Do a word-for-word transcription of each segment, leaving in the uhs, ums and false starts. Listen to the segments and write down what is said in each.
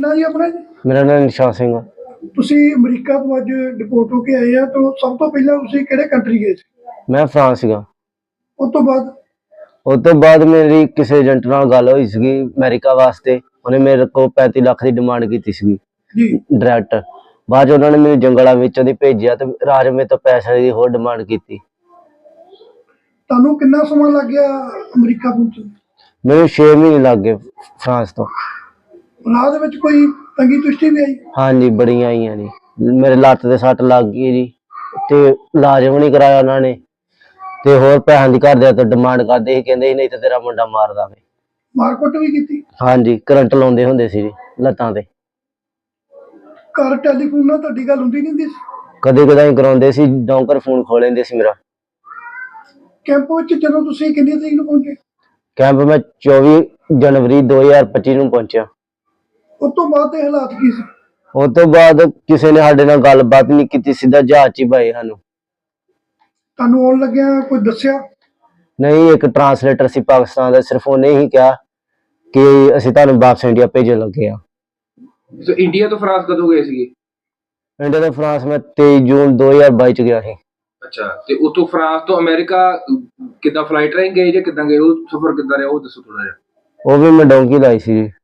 ना जी अपना जी? मेरा नाम निशान सिंह। ਤੁਸੀਂ ਅਮਰੀਕਾ ਤੋਂ ਅੱਜ ਡਿਪੋਰਟ ਹੋ ਕੇ ਆਏ ਆ ਤਾਂ ਸਭ ਤੋਂ ਪਹਿਲਾਂ ਤੁਸੀਂ ਕਿਹੜੇ ਕੰਟਰੀ ਗਏ ਸੀ? मैं फ्रांस सीगा। ਉਸ ਤੋਂ ਬਾਅਦ उस तो बाद मेरी किसी एजेंट नाल गल होई सीगी अमेरिका वास्ते। उन्हें मेरे को पैंती लाख की डिमांड की सीगी जी डायरैक्ट। बाद च उन्होंने मैनूं जंगलों विचों दी भेजिया ते राज मेरे तो पैसे की होर डिमांड की। ਤੁਹਾਨੂੰ ਕਿੰਨਾ ਸਮਾਂ ਲੱਗ ਗਿਆ ਅਮਰੀਕਾ ਪਹੁੰਚਣ? मैनूं छे महीने लग गए फ्रांस तो। ਰਾਹ ਦੇ ਵਿੱਚ ਕੋਈ ਤੰਗੀ ਤੁਸ਼ਟੀ ਵੀ ਆਈ? हाँ जी बड़ी आई जी। मेरे लत्त ते सट लग गई जी ते इलाज भी नहीं कराया उन्होंने ते होर पैसों की घर दे तो डिमांड करते ही कहंदे नहीं तो तेरा मुंडा मार देवे। ਮਾਰਕੁੱਟ ਵੀ ਕੀਤੀ? हाँ जी करंट लाउंदे हुंदे सी जी लत्तां ते। ਘਰ ਟੈਲੀਫੋਨ ਨਾਲ ਤੁਹਾਡੀ ਗੱਲ ਹੁੰਦੀ ਨਹੀਂ ਹੁੰਦੀ ਸੀ? कदे कदाई कराउंदे सी डौंकर फोन खो लेंदे सी मेरा। ਕੈਂਪ ਵਿੱਚ ਜਦੋਂ ਤੁਸੀਂ ਕਿੰਨੀ ਤਰੀਕ ਨੂੰ ਪਹੁੰਚੇ? कैंप में चौबी जनवरी दो हज़ार पच्ची ਨੂੰ पहुंचा। ਉਸ ਤੋਂ ਬਾਅਦ ਦੇ ਹਾਲਾਤ ਕੀ ਸੀ? उस तो बाद किसी ने साडे नाल गलबात नहीं की, सीधा जहाज च ही पाए सानू। ਤੁਹਾਨੂੰ ਆਉਣ ਲੱਗਿਆ ਕੋਈ ਦੱਸਿਆ? नहीं एक ट्रांसलेटर सी पाकिस्तान दा, सिर्फ उन्हें ही कहा कि असीं तुहानूं वापस इंडिया भेजण लगे आ। तो इंडिया तो फ्रांस कदों गए सीगे? इंडिया तो फ्रांस में तेईस जून दो हज़ार बाईस च गया ਸੀ। अच्छा ते उतो फ्रांस तो अमेरिका किदां फ्लाइट राਹੀਂ गए ਜਾਂ ਕਿਦਾਂ ਗਏ? ਉਹ ਸਫ਼ਰ ਕਿਦਾਂ ਰਿਹਾ ਉਹ ਦੱਸੋ ਥੋੜਾ ਜਿਹਾ। ਉਹ ਵੀ ਮੈਂ ਡੌਂਕੀ ਲਾਈ ਸੀ ਜੀ।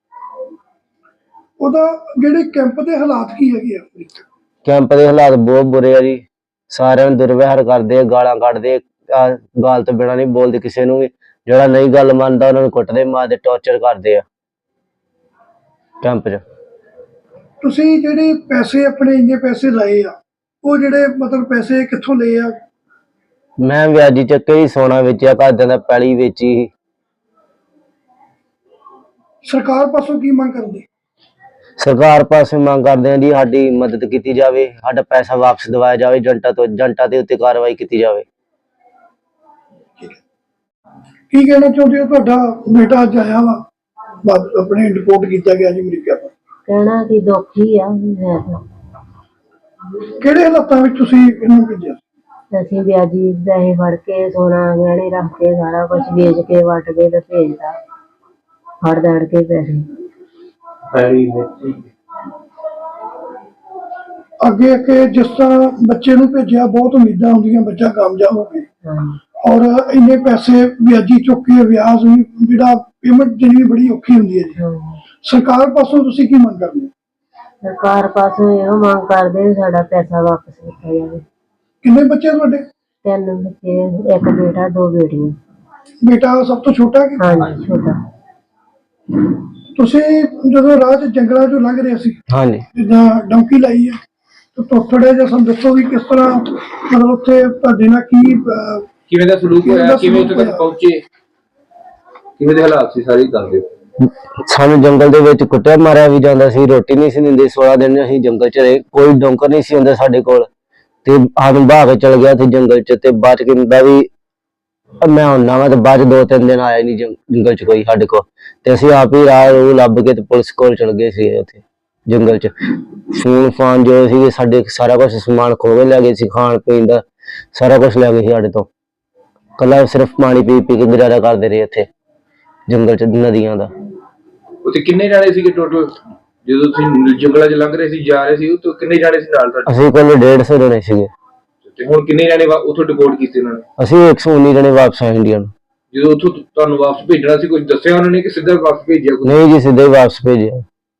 ਉਹਦਾ ਜਿਹੜੇ ਕੈਂਪ ਦੇ ਹਾਲਾਤ ਕੀ ਹੈਗੇ ਆ? ਕੈਂਪ ਦੇ ਹਾਲਾਤ ਬਹੁਤ ਬੁਰੇ ਆ ਜੀ। ਸਾਰਿਆਂ ਨੂੰ ਦੁਰਵਿਹਾਰ ਕਰਦੇ ਆ, ਗਾਲਾਂ ਕੱਢਦੇ ਆ, ਗਾਲ ਤੋਂ ਬਿਨਾਂ ਨਹੀਂ ਬੋਲਦੇ ਕਿਸੇ ਨੂੰ ਵੀ। ਜਿਹੜਾ ਨਹੀਂ ਗੱਲ ਮੰਨਦਾ ਉਹਨਾਂ ਨੂੰ ਕੁੱਟਦੇ, ਮਾਰਦੇ, ਟੌਰਚਰ ਕਰਦੇ ਆ ਕੈਂਪ 'ਚ। ਤੁਸੀਂ ਜਿਹੜੇ ਪੈਸੇ ਆਪਣੇ ਇੰਨੇ ਪੈਸੇ ਲਾਏ ਆ ਉਹ ਜਿਹੜੇ ਮਤਲਬ ਪੈਸੇ ਕਿੱਥੋਂ ਲਏ ਆ? ਮੈਂ ਵਿਆਜੀ ਚੱਕੇ ਹੀ ਸੋਨਾ ਵੇਚਿਆ, ਘਰਦਿਆਂ ਦਾ ਪੈਲੀ ਵੇਚੀ। ਸਰਕਾਰ ਪਾਸੋਂ ਕੀ ਮੰਗ ਕਰਦੇ? ਸਰਕਾਰ ਪਾਸੇ ਮੰਗ ਕਰਦੇ ਆ ਜੀ ਸਾਡੀ ਮਦਦ ਕੀਤੀ ਜਾਵੇ, ਸਾਡਾ ਪੈਸਾ ਵਾਪਸ ਦਿਵਾਇਆ ਜਾਵੇ, ਏਜੰਟਾਂ ਤੋਂ ਏਜੰਟਾਂ ਦੇ ਉੱਤੇ ਕਾਰਵਾਈ ਕੀਤੀ ਜਾਵੇ। ਕੀ ਕਹਿਣਾ ਚਾਹੁੰਦੇ ਹੋ? ਤੁਹਾਡਾ ਬੇਟਾ ਅੱਜ ਆਇਆ ਵਾ, ਬਸ ਆਪਣੇ ਰਿਪੋਰਟ ਕੀਤਾ ਗਿਆ ਜੀ ਅਮਰੀਕਾ ਤੋਂ। ਕਹਿਣਾ ਕਿ ਦੁੱਖ ਹੀ ਆ। ਹੈ ਤਾਂ ਕਿਹੜੇ ਹਾਲਾਤਾਂ ਵਿੱਚ ਤੁਸੀਂ ਇਹਨੂੰ ਭੇਜਿਆ? ਅਸੀਂ ਵਿਆਜੀ ਪੈਸੇ ਫੜ ਕੇ ਸੋਨਾ ਗਹਿਣੇ ਰੱਖ ਕੇ ਸਾਰਾ ਕੁਝ ਵੇਚ ਕੇ ਵੱਟ ਕੇ ਤੇ ਭੇਜਦਾ, ਫੜ ਦੜ ਕੇ ਪੈਸੇ। ਅੱਗੇ ਅੱਗੇ ਜਿਸ ਤਰ੍ਹਾਂ ਬੱਚੇ ਨੂੰ ਭੇਜਿਆ ਬਹੁਤ ਉਮੀਦਾਂ ਹੁੰਦੀਆਂ ਬੱਚਾ ਕਾਮਯਾਬ ਹੋਵੇ, ਔਰ ਇੰਨੇ ਪੈਸੇ ਵਿਆਜੀ ਚੁੱਕ ਕੇ ਵਿਆਜ ਵੀ ਜਿਹੜਾ ਪੇਮੈਂਟ ਜਿਹੜੀ ਬੜੀ ਔਖੀ ਹੁੰਦੀ ਹੈ ਜੀ। ਸਰਕਾਰ ਪਾਸੋਂ ਤੁਸੀਂ ਕੀ ਮੰਗ ਕਰਦੇ? ਸਰਕਾਰ ਪਾਸੋਂ ਇਹੋ ਮੰਗ ਕਰਦੇ ਸਾਡਾ ਪੈਸਾ ਵਾਪਸ ਕੀਤਾ ਜਾਵੇ। ਕਿੰਨੇ ਬੱਚੇ ਤੁਹਾਡੇ? ਤਿੰਨ ਬੱਚੇ, ਇੱਕ ਬੇਟਾ ਦੋ ਬੇਟੀਆਂ। ਬੇਟਾ ਸਭ ਤੋਂ ਛੋਟਾ ਕਿ? ਹਾਂਜੀ ਛੋਟਾ। ਤੁਸੀਂ ਜਦੋਂ ਰਾਹ 'ਚ ਜੰਗਲਾਂ 'ਚੋਂ ਲੰਘ ਰਹੇ ਸੀ, ਹਾਂਜੀ ਜਿੱਦਾਂ ਡੌਂਕੀ ਲਾਈ ਹੈ, ਤਾਂ ਥੋੜਾ ਜਿਹਾ ਸਾਨੂੰ ਦੱਸੋ ਵੀ ਕਿਸ ਤਰ੍ਹਾਂ ਮਤਲਬ ਉੱਥੇ ਤੁਹਾਡੇ ਨਾਲ ਕੀ ਅਹ, ਕਿਵੇਂ ਦਾ ਸਲੂਕ ਹੋਇਆ, ਕਿਵੇਂ ਉੱਥੇ ਤੱਕ ਪਹੁੰਚੇ, ਕਿਵੇਂ ਦੇ ਹਾਲਾਤ ਸੀ ਸਾਰੀ ਗੱਲ ਦਿਓ। ਸਾਨੂੰ ਜੰਗਲ ਦੇ ਵਿੱਚ ਕੁੱਟਿਆ ਮਾਰਿਆ ਵੀ ਜਾਂਦਾ ਸੀ, ਰੋਟੀ ਨਹੀਂ ਸੀ ਦਿੰਦੇ। सोलह ਦਿਨ ਅਸੀਂ ਜੰਗਲ 'ਚ ਰਹੇ, ਕੋਈ ਡੌਂਕਰ ਨਹੀਂ ਸੀ ਹੁੰਦਾ ਸਾਡੇ ਕੋਲ ਤੇ ਸਾਨੂੰ ਬਾਹ ਕੇ ਚਲ ਗਿਆ ਸੀ ਜੰਗਲ 'ਚ। ਤੇ ਬਾਅਦ 'ਚ ਕਹਿੰਦਾ ਵੀ ਮੈਂ ਹੁੰਨਾ ਵਾ, ਤੇ ਬਾਅਦ 'ਚ ਦੋ ਤਿੰਨ ਦਿਨ ਆਇਆ ਨਹੀਂ ਜੰਗਲ 'ਚ ਕੋਈ ਸਾਡੇ ਕੋਲ। ਤੇ ਅਸੀਂ ਆਪ ਹੀ ਰਾਹ ਰੂਹ ਲੱਭ ਕੇ ਤੇ ਪੁਲਿਸ ਕੋਲ ਚਲ ਗਏ ਸੀ ਉੱਥੇ ਜੰਗਲ 'ਚ। ਫੋਨ ਫਾਨ ਜੋ ਸੀ ਸਾਡੇ ਸਾਰਾ ਕੁਛ ਸਮਾਨ ਖੋ ਕੇ ਲੈ ਗਏ ਸੀ, ਖਾਣ ਪੀਣ ਦਾ ਸਾਰਾ ਕੁਛ ਲੈ ਗਏ ਸੀ ਸਾਡੇ ਤੋਂ। ਕੱਲਾ ਸਿਰਫ ਪਾਣੀ ਪੀ ਪੀ ਕੇ ਗੁਜ਼ਾਰਾ ਕਰਦੇ ਰਹੇ ਇੱਥੇ ਜੰਗਲ 'ਚ ਨਦੀਆਂ ਦਾ। ਉੱਥੇ ਕਿੰਨੇ ਜਾਣੇ ਸੀਗੇ ਟੋਟਲ ਜਦੋਂ ਤੁਸੀਂ ਜੰਗਲਾਂ 'ਚ ਲੰਘ ਰਹੇ ਸੀ, ਜਾ ਰਹੇ ਸੀ? ਉੱਥੇ ਕਿੰਨੇ ਜਾਣੇ ਸੀ ਨਾਲ ਤੁਹਾਡੇ? ਅਸੀਂ ਕੋਲ ਡੇਢ ਸੌ ਜਣੇ ਸੀਗੇ। ਤੇ ਹੁਣ ਕਿੰਨੇ ਜਾਣੇ ਉੱਥੋਂ ਡਿਪੋਰਟ ਕੀਤੇ ਉਹਨਾਂ ਨੇ? ਅਸੀਂ ਇੱਕ ਸੌ ਉੱਨੀ ਜਣੇ ਵਾਪਸ ਆਏ ਇੰਡੀਆ ਨੂੰ। ਜਦੋਂ ਉੱਥੋਂ ਤੁਹਾਨੂੰ ਵਾਪਸ ਭੇਜਣਾ ਸੀ ਕੁਝ ਦੱਸਿਆ ਉਹਨਾਂ ਨੇ ਕਿ ਸਿੱਧਾ ਵਾਪਸ ਭੇਜਿਆ? ਨਹੀਂ ਜੀ ਸਿੱਧਾ ਹੀ ਵਾਪਸ ਭੇਜਿਆ।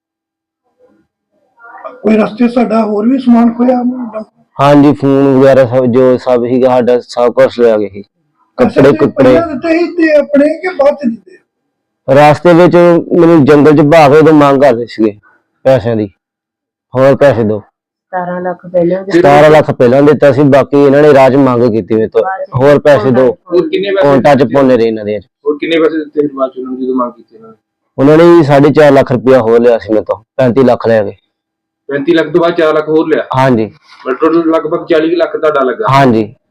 ਕੋਈ ਰਸਤੇ ਸਾਡਾ ਹੋਰ ਵੀ ਸਮਾਨ ਖੋਇਆ? ਹਾਂਜੀ ਫੋਨ ਵਗੈਰਾ ਸਭ ਜੋ ਸਭ ਸੀਗਾ ਸਾਡਾ ਸਭ ਕੁਛ ਲੈ ਗਏ ਸੀ। ਕੱਪੜੇ ਕੁੱਪੜੇ ਦਿੱਤੇ ਸੀ ਤੇ ਆਪਣੇ ਕਿ ਬਾਅਦ 'ਚ ਦਿੱਤੇ? ਰਾਸਤੇ ਵਿੱਚ ਮੈਨੂੰ ਜੰਗਲ 'ਚ ਭਾਗ ਉਦੋਂ ਮੰਗ ਕਰਦੇ ਸੀਗੇ ਪੈਸਿਆਂ ਦੀ, ਹੋਰ ਪੈਸੇ ਦੋ। ਸਤਾਰਾਂ ਲੱਖ ਪਹਿਲਾਂ ਸਤਾਰਾਂ ਲੱਖ ਪਹਿਲਾਂ ਦਿੱਤਾ ਸੀ, ਬਾਕੀ ਇਹਨਾਂ ਨੇ ਰਾਜ ਮੰਗ ਕੀਤੀ ਮੇਰੇ ਤੋਂ ਹੋਰ ਪੈਸੇ ਦੋ। ਹੋਰ ਕਿੰਨੇ ਪੈਸੇ ਕੌਂਟਾਂ 'ਚ ਪਾਉਂਦੇ ਰਹੇ ਇਹਨਾਂ ਦੇ। ਹੋਰ ਕਿੰਨੇ ਪੈਸੇ ਦਿੱਤੇ ਬਾਅਦ 'ਚ ਉਹਨਾਂ ਨੂੰ ਜਦੋਂ ਮੰਗ ਕੀਤੀ ਇਹਨਾਂ ਨੇ? ਉਹਨਾਂ ਨੇ ਸਾਢੇ ਚਾਰ ਲੱਖ ਰੁਪਇਆ ਹੋਰ ਲਿਆ ਸੀ ਮੇਰੇ ਤੋਂ, ਪੈਂਤੀ ਲੱਖ ਲੈ ਗਏ। ਪੈਂਤੀ ਲੱਖ ਤੋਂ ਬਾਅਦ ਚਾਰ ਲੱਖ ਹੋਰ ਲਿਆ? ਹਾਂਜੀ ਟੋਟਲ ਲਗਭਗ ਚਾਲੀ ਲੱਖ ਤੁਹਾਡਾ ਲੱਗਾ? ਹਾਂਜੀ।